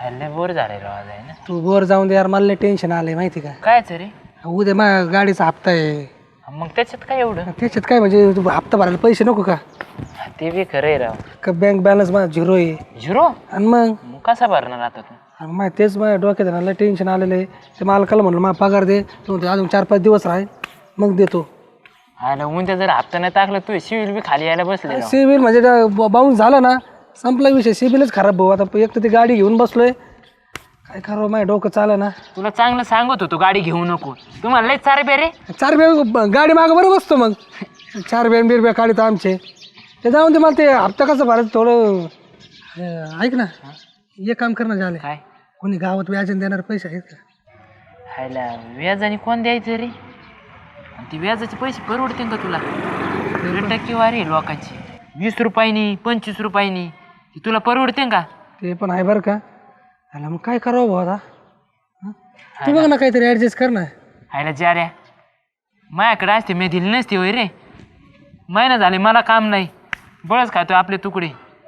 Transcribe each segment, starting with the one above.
लय बोर झाले राव आहे ना. तू बोर जाऊन दे यार, मला लय टेन्शन आलंय माहिती का. कायच रे. उद्या माझ्या गाडीचा हप्ता आहे. मग त्याच्यात काय एवढं. त्याच्यात काय म्हणजे तू हप्ता भरायला पैसे नको का. ते बी खरं आहे राव. का बँक बॅलन्स माझा झिरो आहे. झिरो. आणि मग कसा भरणार आता तू. मग तेच माझ्या डोक्यात आहे ना, लय टेन्शन आलेलं आहे. ते मालकाला म्हणलं मला पगार दे. तो म्हणतो अजून 4-5 दिवस राहील मग देतो. आणि उद्या जर हप्ता नाही टाकला तू सिव्हिल बी खाली यायला बसले. सिबिल म्हणजे बाउन्स झाला ना, संपला विषय. सिबिलच खराब भाऊ. आता एक तर ती गाडी घेऊन बसलोय, काय करावं माझ्या डोकं चालं ना. तुला चांगलं सांगत होतो गाडी घेऊ नको. तुम्हाला लय चार बे रे. 4 बॅग गाडी मागं बरं बसतो मग. 4 बॅग बिरब्या काढित आमचे. ते जाऊन ते मला ते हप्ता कसं भरायचं थोडं ऐक ना. एक काम करणं झालं काय. कोणी गावात व्याजन देणार पैसे आहेत का. खायला व्याजाने कोण द्यायचं रे. आणि ती व्याजाचे पैसे परवडतील का तुला. टक्केवारी आहे लोकांची. 20 रुपयांनी 25 रुपयांनी ती तुला परवडते का. ते पण आहे बरं का. आला मग काय करावं भाऊ आता. तू बघ ना काहीतरी ॲडजस्ट कर ना. हायला जा रे. माझ्याकडे असते मी दिली नसते होय रे. महिना झाले मला काम नाही. बळच खातो आपले तुकडे.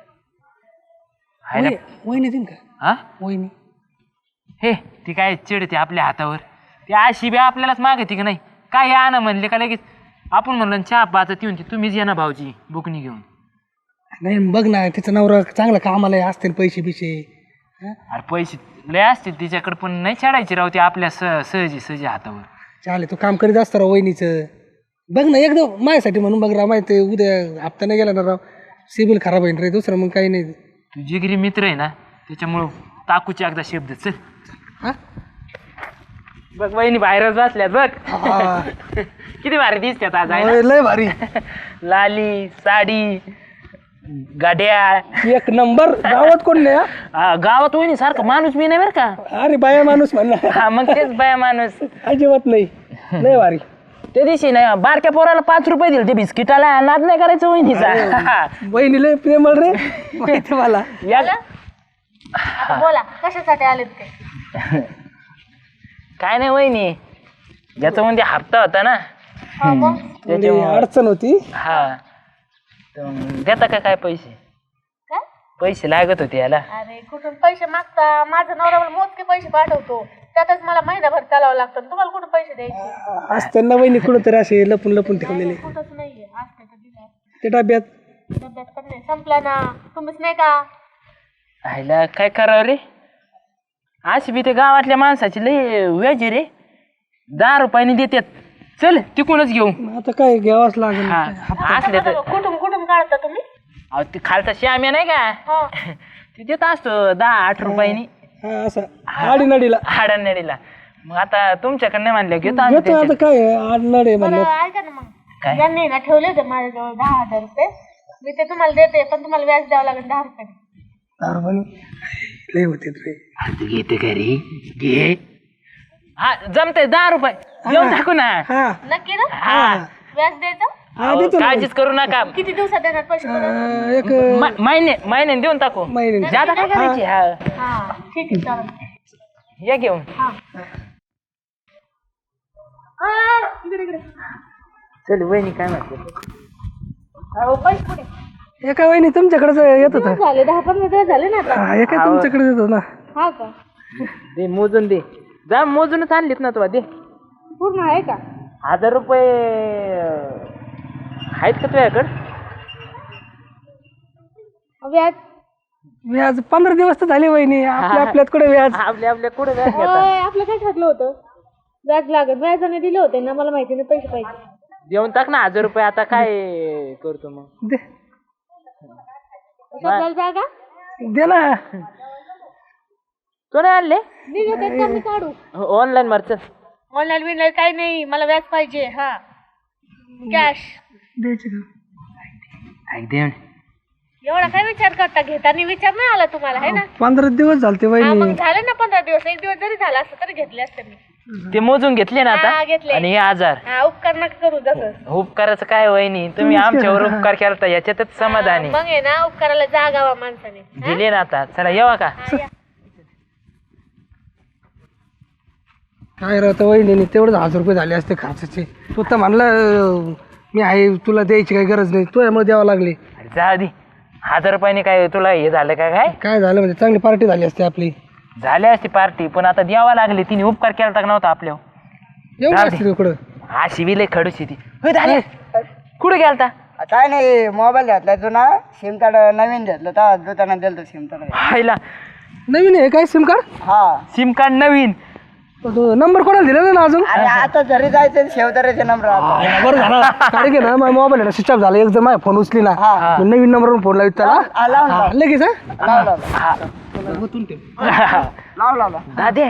हायला वहिनी देईन का. हा वहिनी हे ती काय चिडते आपल्या हातावर. ती अशी बी आपल्यालाच मागते की नाही. काय या ना म्हणले का लगेच आपण म्हणलं चहा पाचत येऊन तुम्हीच या ना भाऊजी बुकनी घेऊन. नाही बघ ना, तिचं नवरा चांगलं कामाला असतील पैसे बिशे. अरे पैसे लय असतील तिच्याकडे पण नाही चढायचे राव ते आपल्या सहजी हातावर. चालेल तू काम करीत असतं राव वहिनीचं. बघ ना एकदम माझ्यासाठी म्हणून बघ राव. माहिती उद्या हप्ता नाही गेला ना राव, सिबिल खराब होईल रे. दुसरं मग काही नाही. तू जिगरी मित्र आहे ना त्याच्यामुळं टाकूचे एकदा शब्द चल. हा बघ वहिनी बाहेरच बसल्यात बघ. किती भारी दिसतात आज आहे ना? लय भारी. लाली साडी गाड्या एक नंबर. गावात कोण नाही. गावात वहिनी सारखं माणूस मी नाही बरं का. अरे बाया माणूस म्हणला. हा मग तेच बाया माणूस. अजिबात नाही. लय भारी. त्या दिवशी नाही बारक्या पोराला 5 रुपये दिले ते बिस्किटाला. नाद नाही करायचं वहिनीचा. वहिनी लय प्रेमळ रे. माहिती मला. या आता बोला कशासाठी आलेत ते. काय नाही वहिनी ज्याचा म्हणजे हप्ता होता ना थोडी अडचण होती. हा तर देता का काय पैसे. काय पैसे लागत होते याला. अरे कुठून पैसे मागता. माझा नवरा मला मोजके पैसे पाठवतो. त्यातच मला महिनाभर चालावं लागतं. तुम्हाला कुठून पैसे द्यायचे. आज त्यांना वहिनी कुठंतरी असे लपून लपून ठेवलेले. कुठंच नाहीये. असते तर दिलं. ते डब्यात डब्यात पण नाही. संपला ना. तुम्हीच नाही का. ह्याला काय करावं रे. अशी बी ते गावातल्या माणसाची लय व्याज रे. 10 रुपयांनी देतात. चल तिकूनच घेऊ. आता काय घ्यावाच लागेल. असले तर कुठून काढता तुम्ही. अहो ते खालचा श्याम्या नाही का हा ते देत असतो 10-8 रुपयांनी. हा असं आडीनडीला हाडानेडीला. मग आता तुमच्याकडे नाही म्हणलं घेतो आम्ही घेतो. आता काय आडनड आहे म्हणलं. बरं ऐका ना मग. काय? यांनी ना ठेवले होते माझ्याजवळ 10,000 रुपये. मी ते तुम्हाला देते पण तुम्हाला व्याज द्यावं लागेल 10 रुपये. लय होते रे. आता घेते घरी घे. हा जमते 10 रुपये देऊन टाकू ना. हा नक्की ना. हा व्याज द्यायचं. हा देतो ना. काळजीच करू नका. किती दिवसात देणार पैसे परत? एक महिन्याने देऊन टाकू. महिन्याने. जादा काय करायची. हा हा ठीक आहे चालेल. या घेऊन. हा इकडे चल वहिनी काय म्हणते. अहो पैसे कुठे. एका वहिनी तुमच्याकडेच येत होता. झाले 10-15 दिवस झाले ना आता. हा एका तुमच्याकडे येत होता ना. हा का दे मोजून दे. जा मोजूनच आणलीत ना तुला दे. पूर्ण आहे का. 1000 रुपये आहेत का तुझ्याकडं. व्याज व्याज 15 दिवस तर झाले वहिनी. आपल्यात कुठे व्याज. आपल्या कुठे व्याज घेता. होय, आपलं काय ठरलं होतं. व्याज लागत. व्याजाने दिले होते ना. मला माहिती नाही पैसे पाहिजे. देऊन टाक ना 1000 रुपये. आता काय करतो मग. दे शब्दाला जागा. दे ना. तो नाही आणले मी घेते का मी काढू. ऑनलाईन मारच. ऑनलाईन बिनलाईन काही नाही. मला व्याज पाहिजे. हा कॅश द्यायचे का. ऐक दे. एवढा काय विचार करता. घेताना विचार नाही आला तुम्हाला है ना. 15 दिवस झालते हा वहिनी. मग झाले ना 15 दिवस. 1 दिवस जरी झाला असतं तरी घेतले असते मी. ते मोजून घेतले ना हा, आता. घेतले. आणि हे 1000 हा उपकार नका करू. जसं उपकाराचं काय वहिनी तुम्ही आमच्यावर उपकार केला याच्यातच समाधानी. मग आहे ना उपकाराला जागावा माणसाने. दिले ना आता. चला येवा का. हा, या. काय राहतं वहिनी तेवढंच 1000 रुपये झाले असते खर्चाचे. तू तर म्हणलं मी आहे तुला द्यायची काही गरज नाही. तुझ्यामुळे द्यावं लागली. जा आधी 1000 रुपयाने काय तुला हे झालं का काय. काय झालं म्हणजे चांगली पार्टी झाली असते आपली. झाली असती पार्टी, पण आता द्यावा लागली. तिने उपकार केला का नव्हता आपल्यावर. एवढं जाऊ दे. असतं इकडं. हा शिविले खडूशी ती. होय झाले कुठे गेलता? काय नाही मोबाईल घेतला जुना सिम कार्ड नवीन घेतलं तर दुकानात दिलं सिम कार्ड. हायला नवीन आहे काय सिम कार्ड? हा सिम कार्ड नवीन. नंबर कोणाला दिला ना अजून? अरे आता जरी जायचं शेवतऱ्याचे नंबर आता. बरं झालं. कारण की ना माझा मोबाईल आहे ना स्विच ऑफ झाला. एक जर माझा फोन उचली ना हा. मी नवीन नंबरवरून फोन लावित त्याला लावला लगेच हा लावला दादे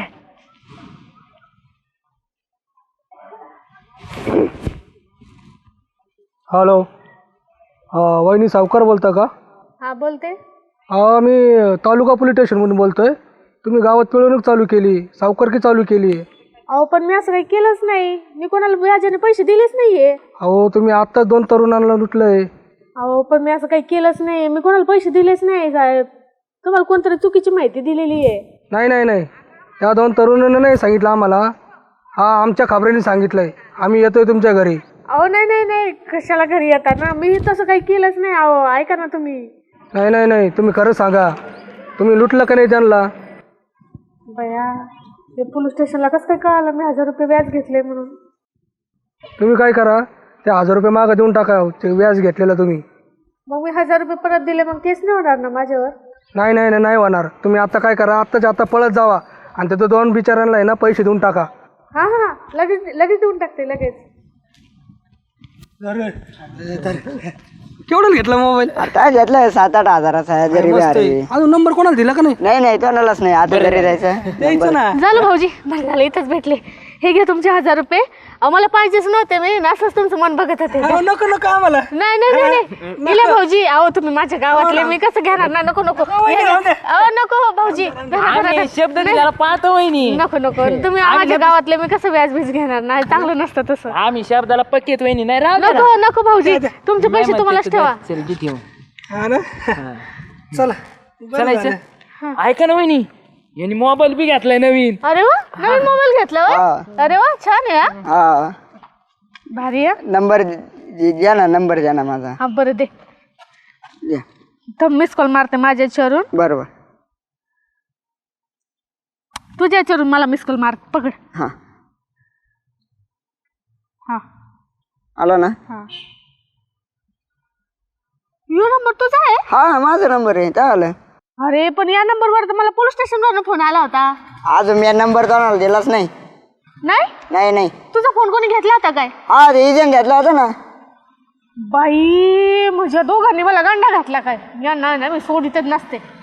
हॅलो. वहिनी सावकार बोलता का? हा बोलते. मी तालुका पोलीस स्टेशनमधून बोलतोय. तुम्ही गावात पिळवणूक चालू केली, सावकारकी चालू केली. अहो पण मी असं काही केलंच नाही. मी कोणाला व्याजाने पैसे दिलेच नाहीये. अहो तुम्ही आत्ताच 2 तरुणांना लुटलंय. अहो पण मी असं काही केलंच नाही. मी कोणाला पैसे दिलेच नाही साहेब. तुम्हाला कोणतरी चुकीची माहिती दिलेली आहे. नाही नाही नाही, त्या 2 तरुणांना नाही सांगितलं आम्हाला. हा आमच्या खबऱ्यांनी सांगितलंय. आम्ही येतोय तुमच्या घरी. अहो नाही नाही नाही, कशाला घरी येता ना. मी तसं काही केलंच नाही. अहो ऐका ना तुम्ही. नाही नाही नाही, तुम्ही खरं सांगा, तुम्ही लुटलं का नाही त्यांना? बया ते पोलीस स्टेशनला कसं काय कळालं मी 1000 रुपये व्याज घेतले म्हणून? तुम्ही काय करा, ते 1000 रुपये मागं देऊन टाका ते व्याज घेतलेलं तुम्ही. मग मी 1000 रुपये परत दिले, मग तेच नाही होणार ना माझ्यावर? नाही नाही नाही, नाही होणार. तुम्ही आता काय करा, आत्ताच्या आता पळत जावा आणि त्या 2 बिचाऱ्यांना आहे ना पैसे देऊन टाका. हा हा लगेच लगेच देऊन टाकते लगेच. केवढं घेतला मोबाईल? आता घेतलं 7-8 हजाराचा जरी अजून नंबर कोणाला दिला का नाही? नाही नाही कोणालाच नाही. आता घरी जायचं द्यायचं ना. झालं भाऊजी, बरं झालं इथंच भेटले. हे घ्या तुमचे 1000 रुपये. अहो मला पाहिजेच नव्हते. मी असंच तुमचं मन बघत होते. नको नको आम्हाला. नाही नाही नाही नाही दिले भाऊजी. अहो तुम्ही माझ्या गावातले, मी कसं घेणार ना. नको नको अहो नको भाऊजी. आम्ही शब्द दिला पाहतो वहिनी. नको नको तुम्ही माझ्या गावातले, मी कसं व्याज बीज घेणार नाही. चांगलं नसतं तसं. आम्ही शब्दाला पक्केत वहिनी. नाही राहू दे ना. नको नको भाऊजी, तुमचे पैसे तुम्हालाच ठेवा. चल घे ठेवून. हा ना. चला चालायचं. ऐका ना वहिनी, यांनी मोबाईल बी घेतलाय नवीन. अरे वा, नवीन मोबाईल घेतला होय? अरे वा छान आहे. हा हा भारी आहे. नंबर द्या ना, नंबर द्या ना माझा. हा बरं दे. द्या. तर मिस कॉल मारते माझ्या याच्यावरून. बरोबर. तुझ्या याच्यावरून मला मिस कॉल मार. पकड. हा हा आला ना. हा यो नंबर तुझा आहे? हा माझा नंबर आहे. काय आलं? अरे पण या नंबरवर तर मला पोलीस स्टेशनवरून फोन आला होता. अजून मी नंबर कोणाला दिलाच नाही. नाही नाही नाही. तुझा फोन कोणी घेतला होता काय? हा ते एजंट घेतला होता ना. बाई माझ्या दोघांनी मला गंडा घातला काय? यांना ना मी सोडितच नसते.